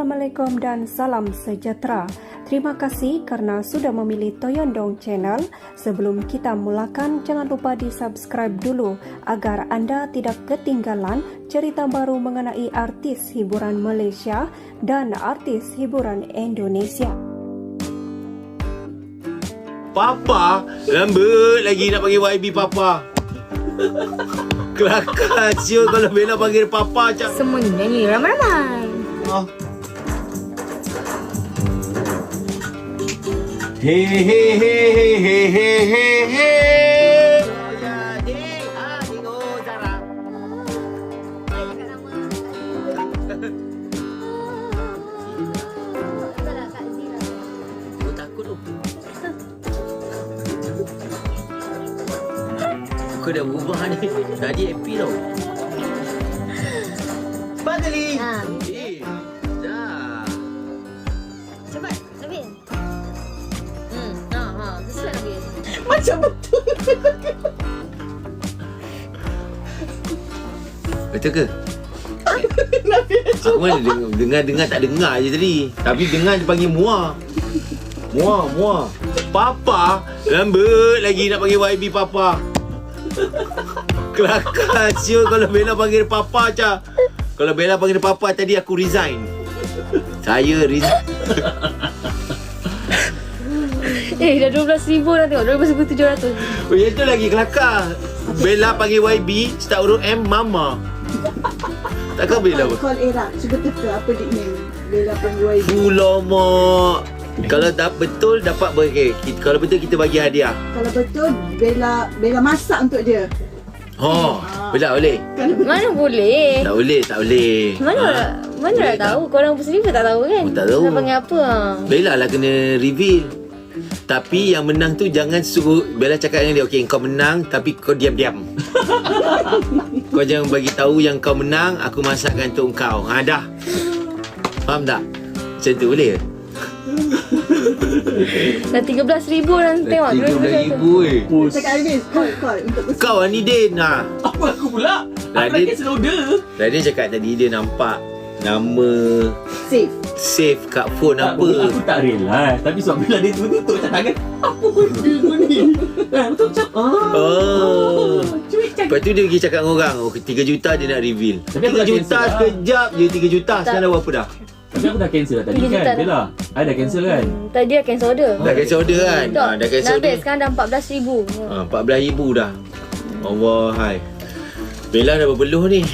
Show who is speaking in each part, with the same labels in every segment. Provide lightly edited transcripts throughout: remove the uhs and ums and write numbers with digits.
Speaker 1: Assalamualaikum dan salam sejahtera. Terima kasih kerana sudah memilih Toyondong Channel. Sebelum kita mulakan, jangan lupa di-subscribe dulu agar anda tidak ketinggalan cerita baru mengenai artis hiburan Malaysia dan artis hiburan Indonesia.
Speaker 2: Papa, lambat lagi nak panggil YB Papa. Kelakar siul kalau Bella panggil Papa macam.
Speaker 3: Semuanya nyanyi ramai-ramai.
Speaker 2: Oh. He he he he he he he. Oh ya, dek. Tengok Zara. Aku takut tu. Aku dah berubah ni. Tadi happy tau. Pagali. Dah.
Speaker 3: Cepat, Nabil. Sesuai Nabil.
Speaker 2: Macam betul. Betul ke? Aku mana dengar tak dengar je tadi. Tapi dengar dia panggil Muah. Muah. Papa, lambat lagi nak panggil YB Papa. Kelakar siul kalau Bella panggil Papa macam. Kalau Bella panggil Papa tadi aku resign. Saya resign.
Speaker 3: Dah 12,000 dah tengok. 12,700.
Speaker 2: Oh, yang tu lagi kelakar. Bella panggil YB, start huruf M, Mama. Takkan Bella apa?
Speaker 4: Call Era. Cuba teka apa nickname Bella panggil YB.
Speaker 2: Ulamak. Kalau tak betul dapat kalau betul kita bagi hadiah.
Speaker 4: Kalau betul Bella masak untuk dia.
Speaker 2: Bella boleh?
Speaker 3: Mana boleh?
Speaker 2: Tak boleh.
Speaker 3: Mana
Speaker 2: Boleh
Speaker 3: dah tahu? Korang sendiri pun tak tahu kan?
Speaker 2: Oh, tak tahu.
Speaker 3: Nak panggil apa?
Speaker 2: Bella lah kena reveal. Tapi yang menang tu jangan suruh Bella cakap dengan dia, okey kau menang tapi kau diam-diam. Kau jangan bagi tahu yang kau menang, aku masakkan untuk kau. Dah. Faham tak? Macam tu boleh ke?
Speaker 3: Dah 13,000 dah tengok.
Speaker 2: 13,000
Speaker 4: Cakap Hafiz, call untuk
Speaker 2: Kau ni Din.
Speaker 5: Apa aku pula? Aku dah cancel order.
Speaker 2: Dia cakap tadi dia nampak nama save kat phone
Speaker 5: Tak,
Speaker 2: apa.
Speaker 5: Aku tak realize. Tapi sebab bila dia tutup macam tangan, apa benda kau ni? Betul macam cuik cakap.
Speaker 2: Lepas tu dia pergi cakap dengan orang, 3 juta dia nak reveal.
Speaker 5: Tapi aku
Speaker 2: 3
Speaker 5: dah
Speaker 2: juta
Speaker 5: cancel lah.
Speaker 2: sekejap je 3 juta. Sekarang dah berapa dah?
Speaker 5: Tapi aku dah cancel dah tadi
Speaker 3: 3
Speaker 5: kan
Speaker 3: juta dah.
Speaker 5: Bella. I dah cancel kan.
Speaker 3: Tadi dah cancel order.
Speaker 2: Dah cancel order kan? Dah cancel
Speaker 3: Nabil
Speaker 2: order.
Speaker 3: sekarang dah 14,000.
Speaker 2: 14,000 dah. Allah hai. Bella dah berbeluh ni.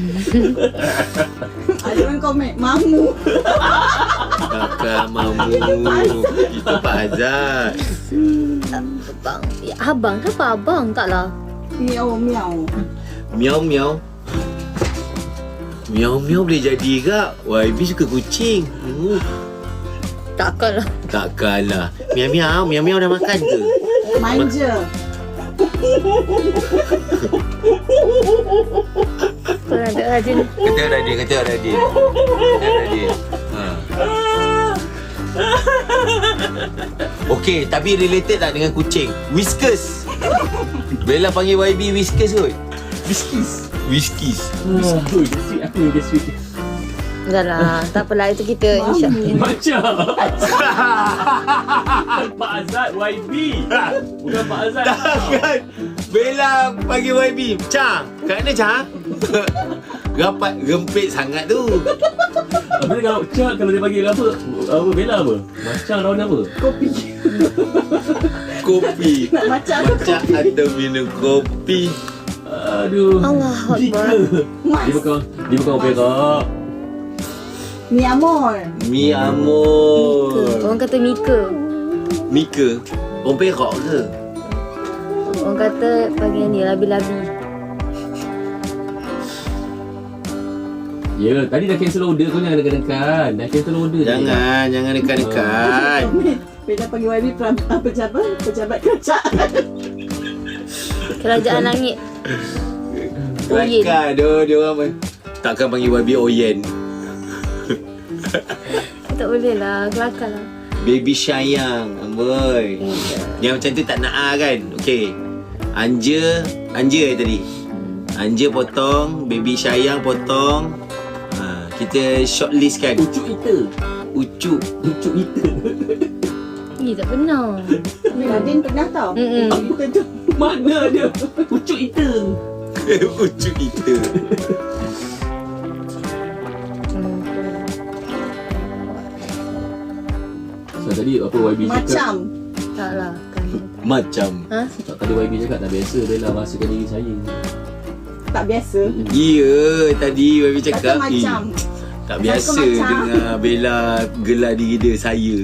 Speaker 4: Ada orang komen Mamu.
Speaker 2: Kakak mamu. Itu Pak Azad.
Speaker 3: Abang. Ya, abang ke apa abang? Taklah.
Speaker 4: Miau.
Speaker 2: Miau. Miau boleh jadi kak. YB suka kucing. Takkanlah. Miau dah makan ke?
Speaker 4: Manja.
Speaker 3: Korang tak rajin.
Speaker 2: Kata Radin. Okey, tapi related tak dengan kucing? Whiskers. Bella panggil YB Whiskers kot. Whiskers.
Speaker 5: Aku yang sweet.
Speaker 3: Dah lah. Tak apalah. Itu kita insyaAllah.
Speaker 5: Macam Pak Azad YB. Bukan Pak Azad.
Speaker 2: Takkan Bella panggil YB Cang. Kat mana Cang? Rapat gempit sangat tu.
Speaker 5: Habis kalau dia panggil apa Bella apa? Macam lawan apa?
Speaker 2: Kopi.
Speaker 4: Nak macam
Speaker 2: Macam ada minum kopi.
Speaker 5: Aduh.
Speaker 3: Allahu Akbar.
Speaker 5: Dia bukan opera.
Speaker 4: Mi amor.
Speaker 2: Mi amor.
Speaker 3: Orang kata Mika.
Speaker 2: Mika. Orang Perak ke?
Speaker 3: Orang kata panggil ni labi-labi.
Speaker 5: Ya, tadi dah cancel order. Kau jangan dekat-dekat. Dah cancel order.
Speaker 2: Jangan dekat-dekat.
Speaker 4: Bella panggil YB pejabat kerajaan.
Speaker 3: Kerajaan langit. Oyen.
Speaker 2: Kelakar dia orang takkan panggil YB Oyen.
Speaker 3: Tak boleh lah. Kelakar lah.
Speaker 2: Baby sayang, amboi. Yang macam tu tak nak kan? Okey. Anja tadi. Anja potong, baby sayang potong. Kita shortlist kan.
Speaker 5: Ucuk kita.
Speaker 2: Ucuk.
Speaker 5: Ucuk kita.
Speaker 3: Tak benar.
Speaker 4: Nadine pernah tau. Kita tu.
Speaker 5: Mana dia? Ucuk kita.
Speaker 2: Ucuk kita.
Speaker 5: So tadi apa YB cakap?
Speaker 4: Macam.
Speaker 3: Tak lah kan.
Speaker 2: Macam.
Speaker 5: Tak, tadi YB cakap tak biasa Bella rasakan diri saya.
Speaker 4: Tak biasa.
Speaker 2: Ya, tadi Baby
Speaker 4: Kata
Speaker 2: cakap
Speaker 4: macam.
Speaker 2: tak biasa
Speaker 4: macam.
Speaker 2: dengar Bella gelar diri dia saya.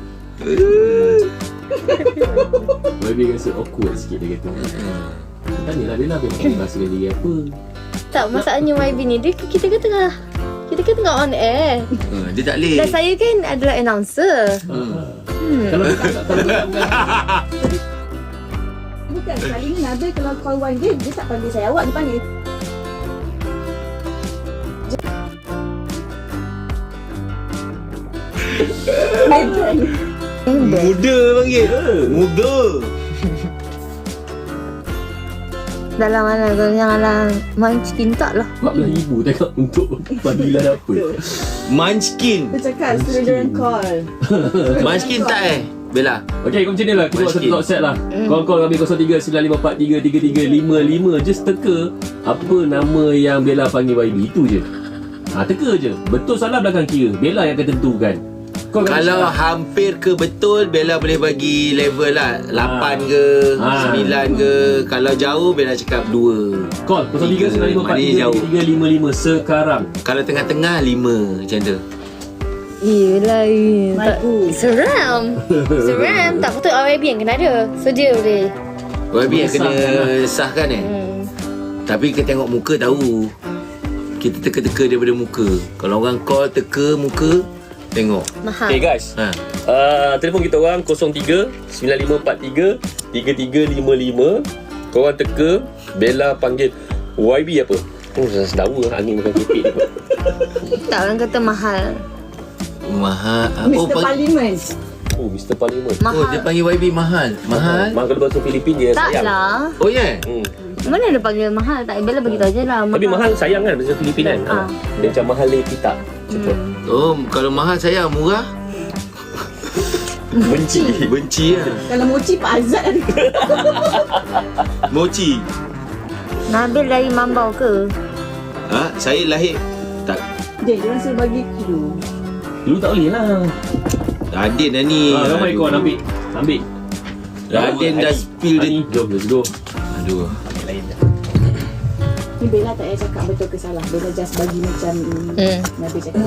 Speaker 5: YB rasa awkward sikit dia kata. Tanyalah Bella rasakan diri apa.
Speaker 3: Tak, masalahnya YB ni kita kan tengah on air.
Speaker 2: Dia tak boleh.
Speaker 3: Dan saya kan adalah announcer.
Speaker 5: Kalau tak
Speaker 4: Bukan, kali ni Nabil kalau call YB, dia tak panggil saya awak, dia panggil
Speaker 2: Muda panggil. Muda.
Speaker 3: Dalam mana kalau janganlah Munchkin tak lah.
Speaker 5: 14,000 tengok untuk panggilan apa.
Speaker 2: Munchkin.
Speaker 4: Dia cakap suruh diorang call.
Speaker 2: Munchkin tak Bella?
Speaker 5: Okay, macam ni lah. Kita buat satu talk set lah. Call kami 0395433355. Just teka apa nama yang Bella panggil YB. Itu je. Teka je. Betul salah belakang kira. Bella yang akan tentukan.
Speaker 2: Kalau hampir ke betul, Bella boleh bagi level lah 8 ke 9 ke. Kalau jauh, Bella cakap 2.
Speaker 5: Call 0395433355 sekarang.
Speaker 2: Kalau tengah-tengah 5 macam tu.
Speaker 3: Yelah,
Speaker 4: Maiku.
Speaker 3: Seram. Tak patut YB yang kena ada. So dia boleh.
Speaker 2: YB yang kena sahkan Tapi kita tengok muka tahu. Kita teka-teka daripada muka. Kalau orang call teka muka, tengok.
Speaker 3: Mahal.
Speaker 5: Okay guys, telefon kita orang 03-9543-3355. Korang teka Bella panggil YB apa? Sedawa angin makan kepit.
Speaker 3: Tak, orang kata mahal.
Speaker 2: Mahal.
Speaker 4: Mr. Parliament.
Speaker 5: Oh, Mr. Parliament.
Speaker 2: Oh, dia panggil YB mahal. Mahal?
Speaker 5: Mahal kalau bahasa Filipin dia
Speaker 3: Tak
Speaker 5: sayang.
Speaker 3: lah.
Speaker 2: Oh ya?
Speaker 3: Mana dia panggil mahal? Tak, Bella beritahu je lah.
Speaker 5: Tapi mahal sayang kan bahasa Filipin kan? Dia macam mahal le kita.
Speaker 2: Oh, kalau mahal saya murah.
Speaker 5: Benci.
Speaker 2: Benci lah.
Speaker 4: Kalau mochi Pak Azad ada.
Speaker 2: Mochi.
Speaker 3: Nabil dari Mambau ke?
Speaker 2: Saya lahir tak.
Speaker 4: Diorang suruh bagi clue.
Speaker 5: Dulu tak boleh lah.
Speaker 2: Radin dah ni.
Speaker 5: Ramai kau ambil.
Speaker 2: Radin dah spill dia.
Speaker 5: Jom, let's go.
Speaker 2: Aduh.
Speaker 4: Ni Bella tak payah cakap betul ke salah. Bella just bagi macam Nabil cakap.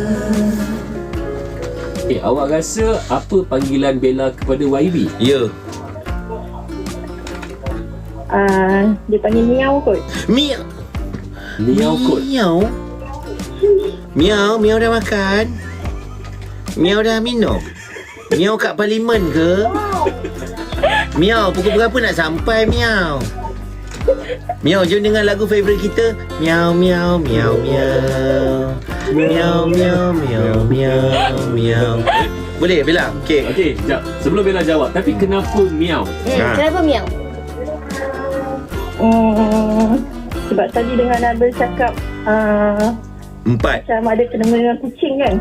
Speaker 5: Okay, awak rasa apa panggilan Bella kepada YB?
Speaker 2: Ya.
Speaker 6: Dia panggil Miau kot.
Speaker 2: Miau.
Speaker 5: Miau kot.
Speaker 2: Miau. Miau dah makan. Miau dah minum. Miau kat parlimen ke? Miau, pukul berapa nak sampai Miau? Miau, jom dengar lagu favourite kita. Miau miau miau miau. Miau miau miau miau miau. Boleh Bella? Okey.
Speaker 5: Okey, sekejap. Sebelum Bella jawab, tapi kenapa Miau?
Speaker 3: Kenapa Miau?
Speaker 6: Sebab tadi dengan Nabil cakap
Speaker 2: 4.
Speaker 6: macam ada kena-mengena kucing kan.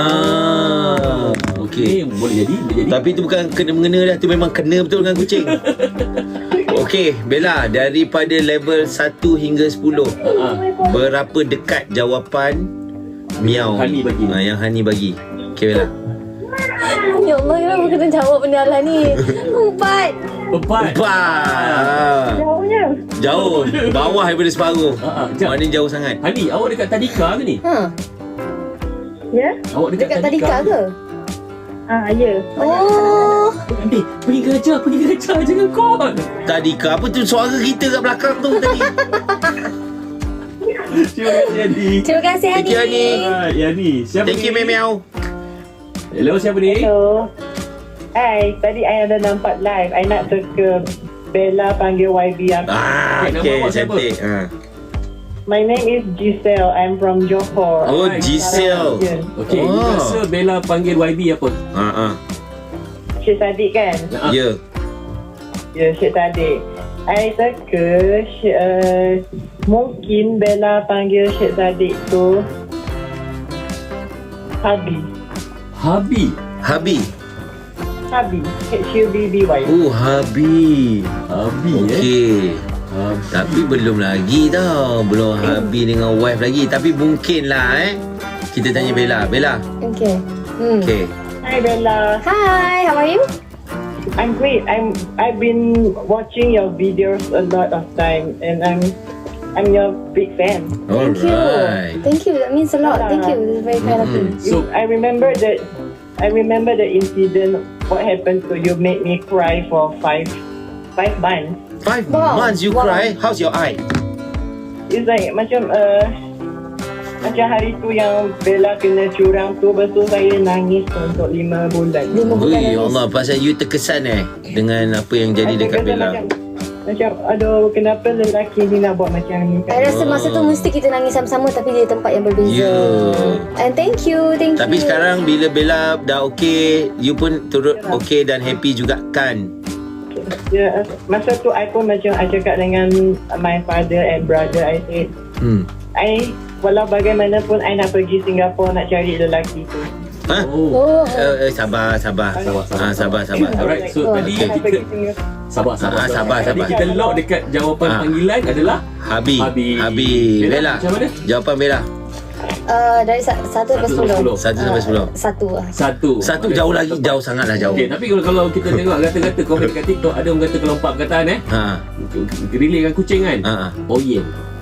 Speaker 2: Okey.
Speaker 5: Boleh jadi.
Speaker 2: Tapi tu bukan kena-mengena dah, tu memang kena betul dengan kucing. Okey, Bella, daripada level 1 hingga 10, berapa dekat jawapan Miau
Speaker 5: Hani bagi.
Speaker 2: yang Hani bagi? Okey Bella.
Speaker 3: Ya Allah, kenapa kena jawab benda lah ni? 4.
Speaker 2: 4.
Speaker 6: Jauhnya.
Speaker 2: Jauh, bawah daripada separuh.
Speaker 5: Sekejap.
Speaker 2: Mana jauh sangat?
Speaker 5: Hani, awak dekat Tadika ke ni?
Speaker 6: Ya?
Speaker 5: Awak
Speaker 3: Dekat Tadika ke?
Speaker 6: Ya.
Speaker 3: Oh.
Speaker 5: Pergi kerja, jangan call.
Speaker 2: Tadika, apa tu suara kita kat belakang tu tadi?
Speaker 5: Terima kasih Yani.
Speaker 3: Terima kasih
Speaker 2: Thank you, Hani.
Speaker 5: Yani, siapa
Speaker 2: Thank you,
Speaker 5: ni?
Speaker 2: Miau.
Speaker 5: Hello, siapa ni?
Speaker 6: So, tadi I ada nampak live. I nak teka Bella panggil YB apa.
Speaker 5: Okay, nama
Speaker 2: Okey,
Speaker 5: awak siapa?
Speaker 2: cantik.
Speaker 6: My name is Giselle. I'm from Johor.
Speaker 2: Oh,
Speaker 5: Alright.
Speaker 2: Giselle.
Speaker 5: Okey,
Speaker 2: Oh.
Speaker 5: rasa Bella panggil YB apa?
Speaker 6: Syed Saddiq kan?
Speaker 2: Ya.
Speaker 6: Ya, Syed Saddiq. I teka mungkin Bella panggil Syed Saddiq tu Habi.
Speaker 5: Habi.
Speaker 2: Habi.
Speaker 6: Habi. H-U-B-B-Y.
Speaker 2: Oh, Habi.
Speaker 5: Habi
Speaker 2: Okey.
Speaker 5: Habi.
Speaker 2: Tapi belum lagi tau. Belum Habi dengan wife lagi. Tapi mungkin lah kita tanya Bella. Bella.
Speaker 3: Okay.
Speaker 2: Okey.
Speaker 6: Hi Bella.
Speaker 3: Hi, how are you?
Speaker 6: I'm great. I've been watching your videos a lot of time, and I'm your big fan.
Speaker 3: Thank you.
Speaker 2: Alright.
Speaker 3: Thank you. That means a lot. Thank you. This is very kind of you.
Speaker 5: So,
Speaker 6: I remember the incident. What happened to you made me cry for five months.
Speaker 2: 5
Speaker 3: Wow.
Speaker 2: months you
Speaker 3: Wow.
Speaker 2: cry. How's your eye?
Speaker 6: It's like macam hari tu yang Bella kena curang tu, lepas tu saya nangis untuk 5 bulan.
Speaker 3: 5 bulan
Speaker 2: Ui,
Speaker 3: nangis.
Speaker 2: Allah, pasal you terkesan dengan apa yang jadi dekat Bella.
Speaker 6: Macam aduh, kenapa lelaki ni nak buat macam ni?
Speaker 3: I rasa masa tu mesti kita nangis sama-sama tapi di tempat yang berbeza.
Speaker 2: Ya.
Speaker 3: And thank you.
Speaker 2: Tapi sekarang bila Bella dah okey, you pun turut okey dan happy juga kan?
Speaker 6: Ya, masa tu I pun macam I cakap dengan my father and brother, I said, walau bagaimanapun I nak pergi Singapura nak cari lelaki tu.
Speaker 2: Ha?
Speaker 3: Oh.
Speaker 2: Sabar.
Speaker 5: Sabar.
Speaker 2: Sabar.
Speaker 5: Alright, so tadi
Speaker 6: Saya
Speaker 5: kita
Speaker 6: pergi Singapura.
Speaker 5: Sabar. Tadi kita lock dekat jawapan panggilan adalah
Speaker 2: Habi. Bella.
Speaker 5: Macam mana?
Speaker 2: Jawapan Bella.
Speaker 3: Dari 1 sampai 10.
Speaker 2: 1 sampai 10.
Speaker 3: 1 lah.
Speaker 5: Satu
Speaker 2: Jauh lagi, jauh sangatlah jauh.
Speaker 5: Okay, tapi kalau kita tengok kata-kata komen dekat TikTok, ada orang kata kalau 4 perkataan relate dengan kucing kan? Oh yeah.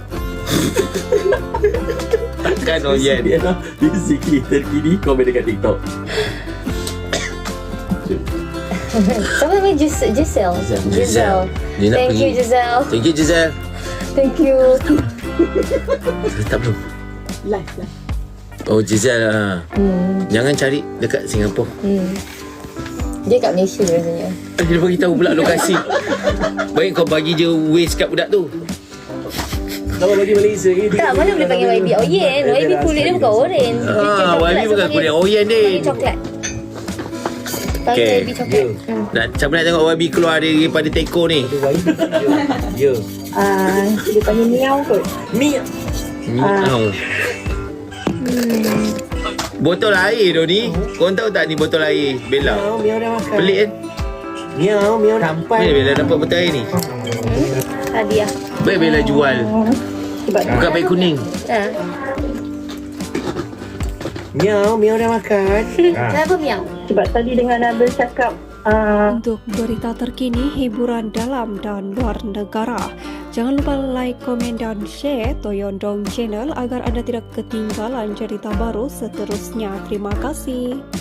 Speaker 2: Takkan Oyen.
Speaker 5: Dia lah basically terkini komen dekat TikTok.
Speaker 3: Siapa namanya? Giselle.
Speaker 2: Dia nak
Speaker 3: Thank
Speaker 2: pergi.
Speaker 3: you, Giselle.
Speaker 2: Thank you, Giselle.
Speaker 3: Thank you.
Speaker 2: Tak belum.
Speaker 4: Live.
Speaker 2: Oh, Giselle. Jangan cari dekat Singapura.
Speaker 3: Dia kat Malaysia rasanya.
Speaker 2: Dia bagi tahu pula lokasi. Baik kau bagi je waste kat budak tu.
Speaker 5: Kalau bagi Malaysia ni
Speaker 3: Tak, mana boleh panggil YB Oyen. YB kulit dia bukan orange.
Speaker 2: YB bukan kulit Oyen
Speaker 3: Panggil
Speaker 2: din.
Speaker 3: coklat. Panggil
Speaker 2: Okay.
Speaker 3: YB coklat.
Speaker 2: Siapa nak tengok YB keluar daripada teko ni?
Speaker 5: Ya.
Speaker 6: Dia panggil miau kot.
Speaker 2: Miau. Botol air tu ni. Korang tahu tak ni botol air Bella?
Speaker 6: Miau dah makan.
Speaker 2: Pelik kan?
Speaker 6: Miau nampak.
Speaker 2: Mana Bella dapat botol air ni?
Speaker 3: Hadiah.
Speaker 2: Baik Bella jual. Bukan baik kuning.
Speaker 6: Miau dah makan.
Speaker 3: Kenapa miau?
Speaker 6: Sebab tadi dengan Nabil cakap
Speaker 1: Untuk berita terkini, hiburan dalam dan luar negara, jangan lupa like, komen dan share Toyondong Channel agar anda tidak ketinggalan cerita baru seterusnya. Terima kasih.